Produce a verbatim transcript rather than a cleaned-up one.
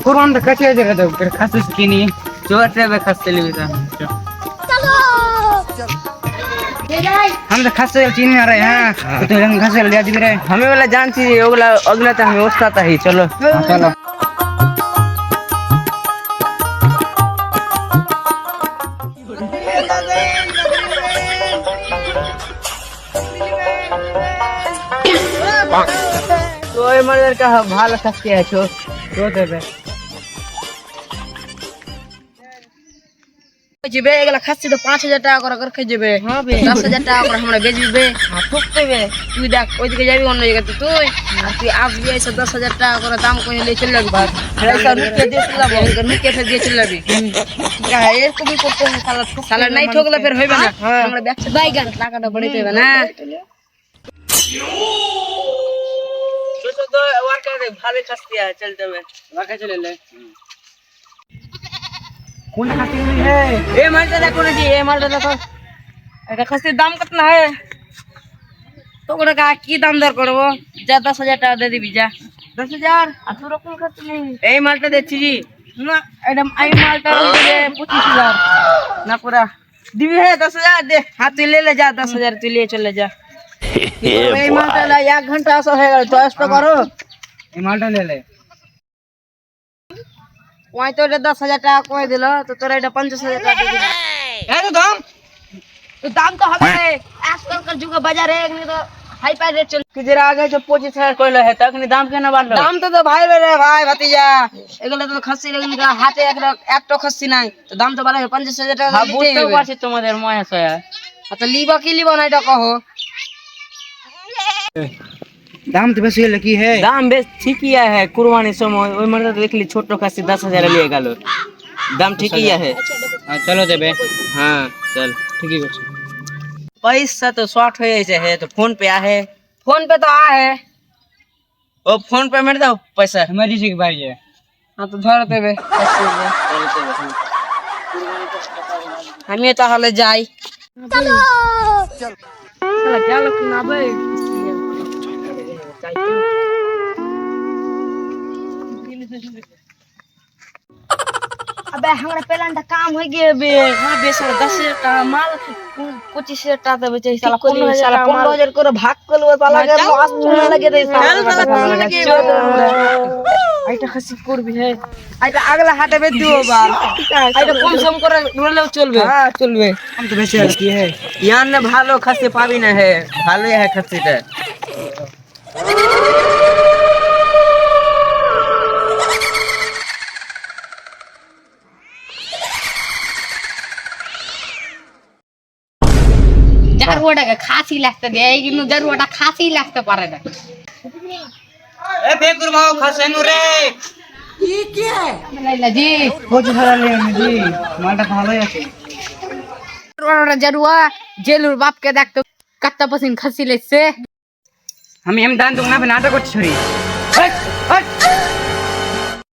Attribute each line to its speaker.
Speaker 1: कुरबान तो कच्चे जगह तो फिर खास की नहीं जोर से वे खास चली था चलो हम तो खास से चीनी आ रहे हैं तो हम खास ले दी रे हमें वाला जान सी अगला अगला तो हमें उस्ता था ही चलो चलो तो ये मर्दर का भाल सकते है छो तो दे
Speaker 2: जेबे एगला खासी तो पाँच हजार टाका कर कर जेबे हां बे दस हजार टाका कर हमरा बेचबे हां ठोकते बे तू देख ओइ दिके जाबी অন্য জায়গা তো তুই আর তুই আজ भी ऐसे दस हजार टाका कर दाम कोई ले चल लग बात ऐसा नुके दे चल लग इनकर नुके फिर दे चल लबी क्या है ये को भी करते हैं साला साला नहीं ठोकला फिर होइबे ना हमरा बैक से बैगन टाकाটা बड़ी देबे ना तो तो वार कर भाले खस्ती है चल देबे वाका चले ले
Speaker 1: कौन खाती हुई है
Speaker 2: ए मालटा देखो ना जी ए मालटा देखो এটা খাসির দাম কত না है তো কোটা কা কি দাম দর করব যা दस हजार টাকা দে দিবি যা दस हजार এত রকম খাসি নেই এই মালটা দেখছি জি না এটা এই মালটা দিবে पच्चीस हजार না পুরা দিবি হে दस हजार দে হাত তুই ले ले जा दस हजार তুই ले चले जा এই মালটা লা एक घंटा আসো হয়ে গেল চয়েস তো করো
Speaker 1: ये माल्टा ले ले
Speaker 2: ওই তো दस हजार টাকা কই দিল তো তোরা এটা पचास हजार টাকা দিবি
Speaker 1: है तो दाम
Speaker 2: तो दाम तो হবে आजकल का जुग बाजार है नहीं तो हाई फाई रेट चल कि जरा आगे जो पच्चीस हजार कोइला है तक नहीं दाम केना बाढ़लो दाम तो तो भाई रे भाई भतीजा एगला तो खस्सी लेकिन का हाथे एक एक तो खस्सी नहीं तो दाम तो बाला पचास हजार টাকা
Speaker 1: हां बुझते पाछे তোমাদের ময়া সয়া
Speaker 2: तो लीबा की लीबा नहीं तो कहो
Speaker 1: दाम तो बेसी लकी है
Speaker 2: दाम बेस ठीक ही है कुर्बानी समय ओइ मर्द देख ली छोटो खस्सी दस हजार लिए गेलो दाम ठीक ही है
Speaker 1: हां चलो देबे
Speaker 2: हां चल
Speaker 1: ठीक ही बस
Speaker 2: पैसा तो शॉर्ट हो ऐसे है तो फोन पे आ है फोन पे तो आ है ओ फोन पे मेरे दो पैसा
Speaker 1: हमारी जी की बारी है
Speaker 2: हां तो धर देबे हम ये तो हले जाई चलो चल साला क्या लोग ना बे अबे हमरा पेलांटा काम हो गए बे हां बे साला दस हजार टाका माल पच्चीस हजार टाका दे बेचे साला पंद्रह साला पंद्रह हजार करे भाग कलो साला के लॉस होने लगे दे साला साला लगे आइटा खसी कोर भी है आइटा अगला हाटे बे दियो बार आइटा कम सम करे रोले चलबे हां चलबे
Speaker 1: हम तो बेसी लकी है
Speaker 2: यान ने भालो खसी पाबी ना है भालो है खसीटा জারওয়াটা খাসি লাগতে দে কিন্তু জারওয়াটা খাসি লাগতে পারে না
Speaker 1: ए बेकुर माओ खसेनु रे
Speaker 2: ये क्या है লাইলা জি
Speaker 1: बहुत सारा ले जी माल्टा ভালোই আছে
Speaker 2: জারওয়াটা জারওয়া জেলুর বাপকে দেখতো কত পছন্দ খাসি লেছে
Speaker 1: আমি এম দান দুনা নাটক করছি ছড়ি হট হট